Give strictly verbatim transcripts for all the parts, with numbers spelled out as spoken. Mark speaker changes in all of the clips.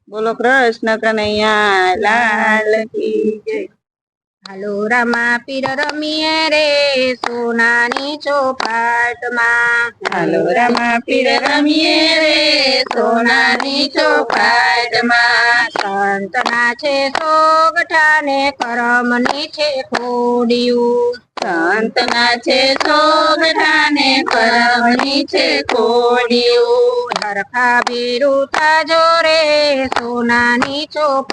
Speaker 1: બોલો કૃષ્ણ કનૈયા લાલ કી જય।
Speaker 2: હાલો રામા પીર રમીએ રે સોનાની ચોપાટમાં।
Speaker 1: હાલો રામા પીર રમીએ રે સોનાની ચોપાટમાં।
Speaker 2: સંતના છે સોગઠા ને કરમની છે ખોડિયું।
Speaker 1: સંતના છે સોગઠા ને કરમની છે ખોડિયું।
Speaker 2: હરખા ભેરું થાજો રે સોનાની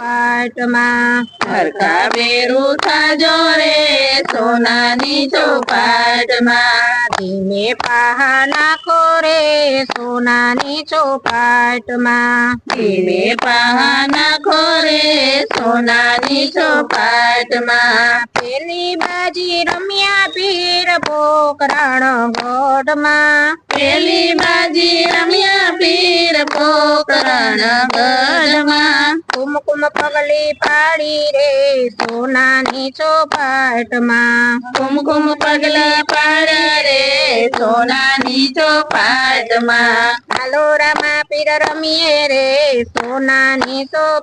Speaker 2: ચોપાટમાં।
Speaker 1: હરખા ભેરું થાજો રે સોનાની ચોપાટમાં।
Speaker 2: ધીમે પાહા નાખો રે સોનાની ચોપાટમાં।
Speaker 1: ધીમે પાહા નાખો રે સોનાની ચોપાટમાં।
Speaker 2: પેલી બાજી રમ્યા પીર પોકરણ ગોઢમાં।
Speaker 1: પેલી બાજી રમ્યા પીર પોકરણ ગઢમાં।
Speaker 2: કુમકુમ પગલી પાડી રે સોનાની ચોપાટમાં।
Speaker 1: કુમકુમ પગલા પાડે રે સોનાની ચોપાટમાં।
Speaker 2: હાલો રામા પીર રમીએ રે સોનાની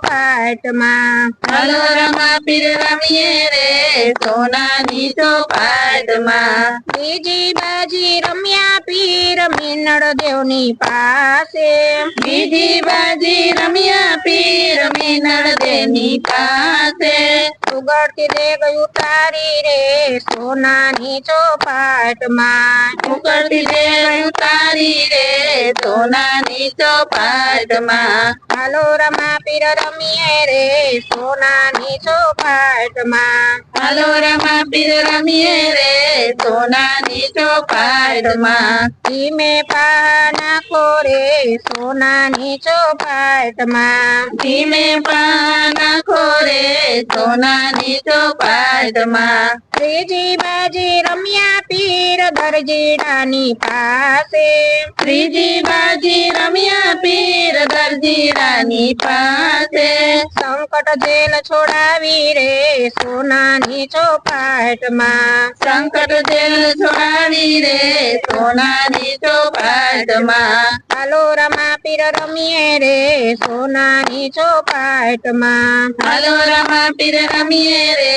Speaker 2: ચોપાટમાં।
Speaker 1: હાલો રામા પીર રમીએ રે સોનાની ચોપાટમાં।
Speaker 2: બીજી બાજી રમ્યા પીર મીનળ દેવની પાસે।
Speaker 1: બીજી બાજી રમ્યા પીર મીનળ દેવની પાસે।
Speaker 2: ઉગડતી દેગ ઉતારી રે સોનાની ચોપાટમાં।
Speaker 1: ઉકળતી દેવ ઉતારી રે સોનાની ચોપાટમાં।
Speaker 2: હાલો રામા પીર રમીએ રે સોનાની ચોપાટમાં।
Speaker 1: હાલો રામા પીર રમીએ રે સોનાની ચોપાટમાં।
Speaker 2: ધીમે પા નાખો રે સોનાની ચોપાટમાં।
Speaker 1: ધીમે પા નાખો રે સોનાની ચોપાટમાં।
Speaker 2: ત્રીજી બાજી રમ્યા પીર દરજીડાની પાસે।
Speaker 1: ત્રીજી બાજી રમ્યા પીર દરજીડાની પાસે।
Speaker 2: સંકટ જેલ છોડાવી રે સોનાની ચોપાટમાં।
Speaker 1: સંકટ જેલ છોડાવી રે સોનાની ચોપાટમાં।
Speaker 2: હાલો રામા પીર રમીએ રે સોનાની ચોપાટમાં।
Speaker 1: હાલો રામા પીર રમીએ રે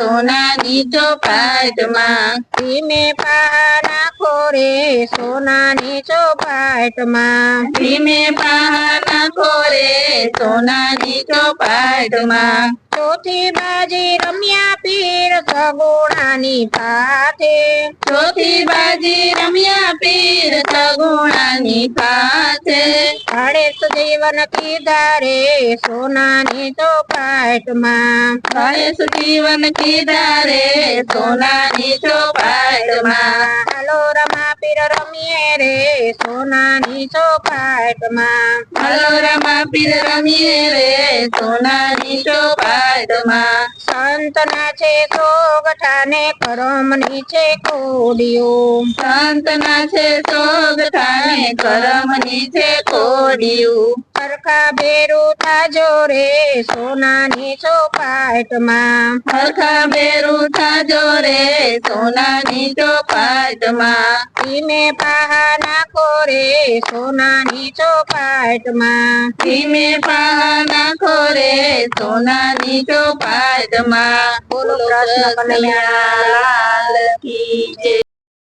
Speaker 1: સોનાની ચોપાટમાં।
Speaker 2: ધીમે પા નાખો રે સોનાની ચોપાટમાં।
Speaker 1: ધીમે પા નાખો રે સોનાની ચોપાટમાં।
Speaker 2: ચોથી બાજી રમ્યા પીર સગુણાની પાથે।
Speaker 1: ચોથી બાજી રમ્યા પીર સગુણાની પાસે।
Speaker 2: ગણેશ જીવન કીધા રે સોનાની ચોપાટમાં।
Speaker 1: ગણેશ જીવન કીધા રે સોનાની ચોપાટમાં।
Speaker 2: હાલો રામા પીર રમીએ રે સોનાની ચોપાટમાં।
Speaker 1: હાલો રામા પીર રમીએ રે સોનાની ચોપાટમાં।
Speaker 2: સંતના છે સોગઠા ને કરમની છે ખોડિયું।
Speaker 1: સંતના છે સોગઠા ને કરમની છે ખોડિયું।
Speaker 2: હરખા ભેરું થાજો રે સોનાની ચોપાટમાં।
Speaker 1: હરખા ભેરું થાજો રે સોનાની ચોપાટમાં।
Speaker 2: ધીમે પાહા નાખો રે સોનાની ચોપાટમાં।
Speaker 1: ધીમે પા નાખો રે સોનાની ચોપાટમાં।
Speaker 2: બોલો કૃષ્ણ કનૈયા
Speaker 1: લાલ કી જય।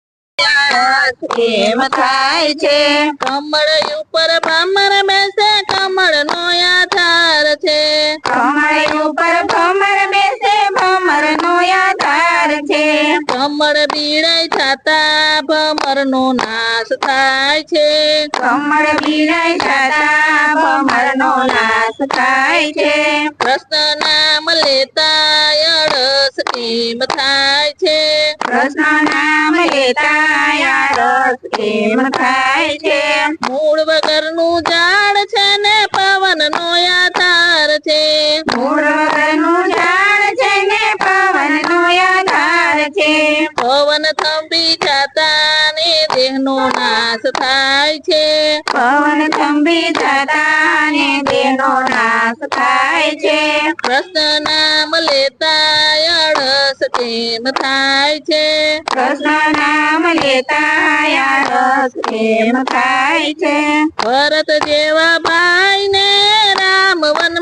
Speaker 1: કેમ થાય છે કમળ ઉપર ભમર બેસે કમળ નો આધાર છે।
Speaker 2: કમળ ઉપર ભમર બેસે ભમર નો આધાર છે।
Speaker 1: કમળ બીડાઈ થતા ભમર નો નાશ થાય છે।
Speaker 2: કમળ બીડાઈ થતા ભમર નો નાશ થાય છે।
Speaker 1: કૃષ્ણ નામ લેતા અળસ કેમ થાય છે।
Speaker 2: કૃષ્ણ નામ લેતા રસ કેમ થાય છે।
Speaker 1: મૂળ વગરનું ઝાડ છે ને પવન નો આધાર છે।
Speaker 2: મૂળ વગરનું ઝાડ છે ને પવન નો આધાર છે।
Speaker 1: પવન થંભી જતા ને દેહનો નાશ થાય છે।
Speaker 2: પવન થંભી થતા ને દેહનો નાશ થાય છે।
Speaker 1: કૃષ્ણ નામ લેતા અળસ કેમ થાય છે।
Speaker 2: કૃષ્ણ નામ લેતા રસ કેમ થાય છે।
Speaker 1: ભરત જેવા ભાઈ ને રામ વન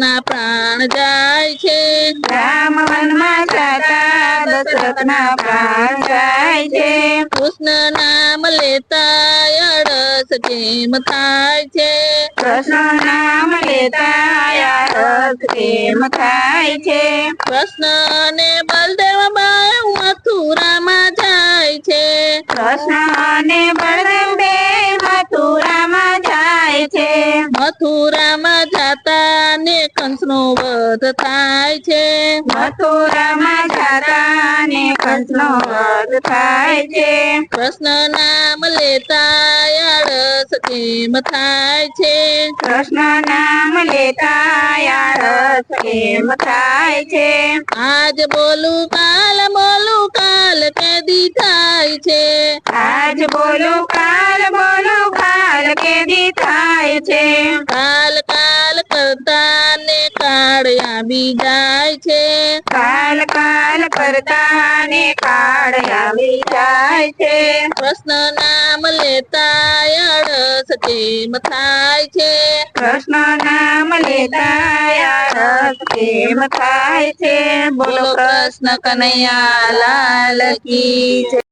Speaker 1: ના પ્રાણ જાય છે
Speaker 2: રામ વનમાં જાતા દશરથના પ્રાણ જાય છે
Speaker 1: કૃષ્ણ નામ લેતા અડસ કેમ થાય છે
Speaker 2: કૃષ્ણ નામ લેતા રસ કેમ થાય છે
Speaker 1: કૃષ્ણ ને બલદેવ બાય મથુરામાં જાય છે
Speaker 2: કૃષ્ણ અને બળદેવ બે મથુરામાં જાય છે
Speaker 1: મથુરામાં જાતા ને કંસનો વધ થાય છે
Speaker 2: મથુરામાં જાતા ને કંસનો વધ થાય છે
Speaker 1: કૃષ્ણ નામ લેતા અડસ કેમ થાય છે
Speaker 2: કૃષ્ણ નામ લેતા રસ કેમ થાય છે
Speaker 1: આજ બોલું કાલ બોલું કાલ કેદી થાય છે
Speaker 2: આજ બોલું કાલ બોલું કાલ કેદી થાય છે
Speaker 1: કાલ કાલ કરતા ને કાળ આવી જાય છે
Speaker 2: કાલ કાલ કરતા ને કાળ આવી જાય છે
Speaker 1: કૃષ્ણ નામ લેતા અડસ કેમ થાય છે
Speaker 2: કૃષ્ણ નામ લેતા રસ કેમ થાય છે બોલો કૃષ્ણ કનૈયા લાલ કી જય.